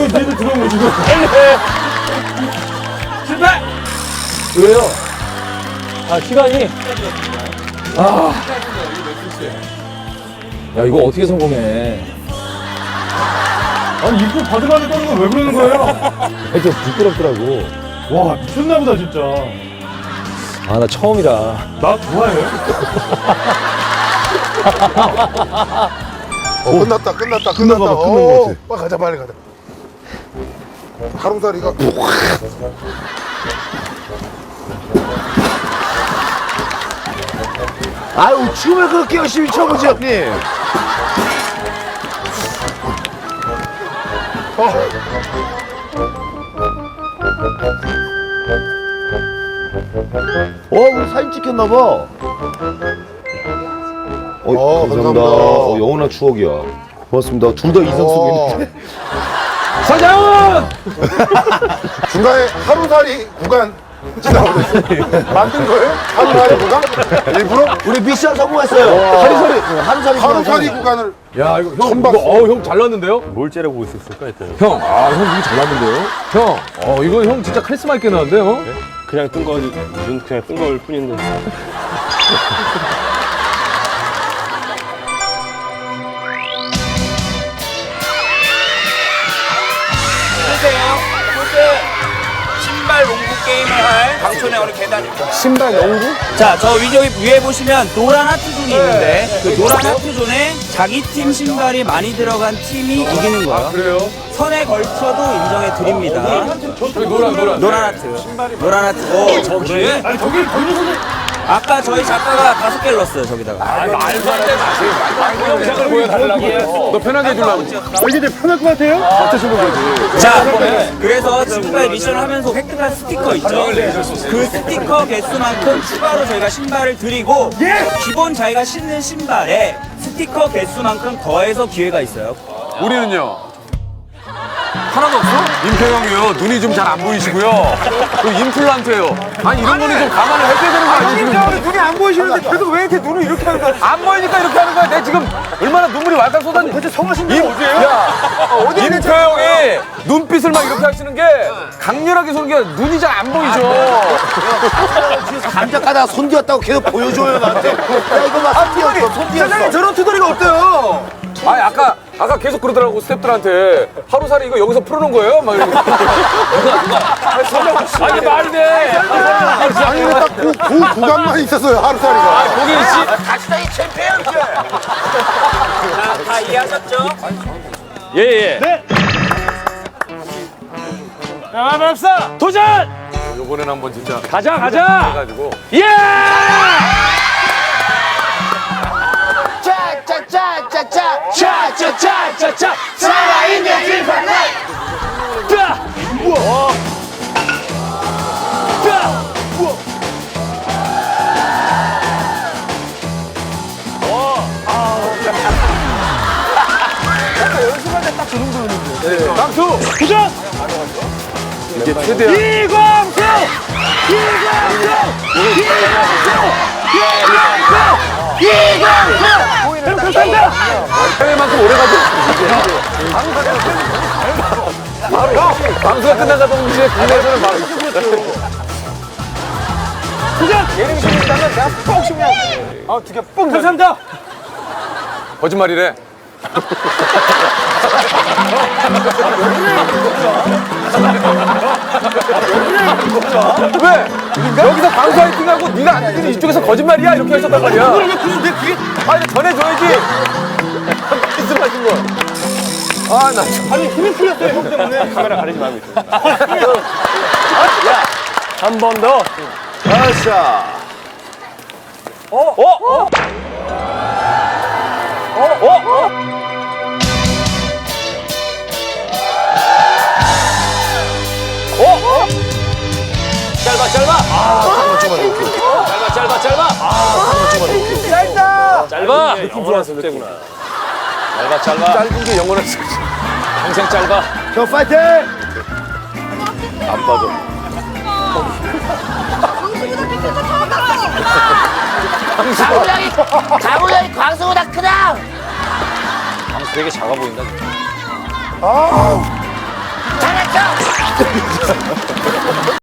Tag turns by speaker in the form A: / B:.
A: 니들 들어오고 지금.
B: 실패!
A: 왜요? 아, 시간이? 아. 야, 이거 어떻게 성공해? 아니, 입구 바들바들 떠는 건 왜 그러는 거예요? 좀 부끄럽더라고. 와, 미쳤나보다, 진짜. 아, 나 처음이라. 나 좋아해요?
C: 끝났다.
A: 끝난 거 같아.
C: 빨리 가자, 빨리 가자. 가롱다리가
D: 아유, 춤을 그렇게 열심히 춰보지, 형님. 우리 사진 찍혔나봐.
C: 감사합니다.
D: 영원한 추억이야. 고맙습니다. 둘 다 이성숙인데.
A: 서장훈!
C: 중간에 하루살이 구간 만든 거예요? 하루살이 구간? 일부러?
D: 우리 미션 성공했어요.
C: 하루살이 구간을
A: 야, 이거 형,
C: 처음
A: 이거,
C: 봤어.
A: 형 잘 났는데요?
E: 뭘 째려보고 있었을까 했더니
A: 형, 형 이거 잘 났는데요? 형, 이거 형 진짜 카리스마 있게 나왔는데요?
E: 그냥 뜬 거, 눈 그냥 뜬 걸 뿐인데.
B: 신발 농구 게임을 할 강촌의 어느 계단입니다.
A: 신발 농구?
B: 자, 저 위에 보시면 노란 하트존이 있는데 그 노란 하트존에 자기 팀 신발이 많이 들어간 팀이 이기는 거예요.
A: 그래요?
B: 선에 걸쳐도 인정해 드립니다.
A: 저기 노란.
B: 노란 하트. 노란 하트. 저기에?
A: 아니, 저기
B: 아까 저희 작가가 5개를 넣었어요, 저기다가.
A: 말도 안 돼, 마세요. 영상을 보여달라고. 너 편하게 해주려고. 이게 되게 편할 것 같아요? 같이 신고 그러지.
B: 자, 그래서 지금까지 미션을 하면서 획득한 스티커 있죠? 그 스티커 개수만큼 추가로 저희가 신발을 드리고 기본 자기가 신는 신발에 스티커 개수만큼 더해서 기회가 있어요.
A: 우리는요? 하나도 없어? 임평형이요. 눈이 좀 잘 안 보이시고요. 그 임플란트예요. 아니 이런 거는 좀 감안을 해줘야 되는 거 아니에요? 지금 눈이 안 보이시는데 계속 왜 이렇게 눈을 이렇게 하는 거야? 안 보이니까 이렇게 하는 거야. 내 지금 얼마나 눈물이 왈칵 쏟았니? 대체 성하신 게 어디예요? 야, 임평형이 눈빛을 막 이렇게 하시는 게 강렬하게 쏘는 게 눈이 잘 안 보이죠.
D: 감자 까다가 손 뒤었다고 계속 보여줘요, 나한테. 야, 이거 봐, 손 뒤었어, 손 뒤었어.
A: 저런 투덜이가 없대요. 아니 아까 계속 그러더라고 스태프들한테 하루살이 이거 여기서 풀어놓은 거예요? 막 이러고 누가 아니 말이 돼.
C: 아니 왜 딱 그 구간만 있었어요, 하루살이가.
A: 거기 씨
D: 가시다이 챔피언!
B: 자, 다 이해하셨죠?
A: 예예. 네. 야 맙사 도전. 이번엔 한번 진짜 가자. 해가지고 예.
D: 짜짜짜짜짜 살아있는 딜판네.
A: 강수 도전. 이게 최대한 이광수 감사합니다. 해외만큼 오래 가죠. 바로 방수가 끝나가 동시에 국내에서는 바로 도전! 예능신이 있다면 내가 뻥 치면 두개 뻥 감사합니다. 거짓말이래. 왜? 여기서 방수 화이팅하고 네가 안 듣는 이쪽에서 거짓말이야 이렇게 하셨단 말이야. 그게 아니 전해줘야지. 말씀하신 거. 아 나 아니 힘이 풀렸어요 형 때문에. 카메라 가리지 말고 있어. 야 한 번 더.
D: 아싸.
B: 짧아.
A: 짧아. 느낌 좋았어 느낌. 짧아. 짧은 게 영원한 평생 짧아.
D: 형 파이팅!
A: 안 빠져.
F: 강우량이 광수보다 크다.
A: 방수 되게 작아 보인다.
D: 깜짝이야.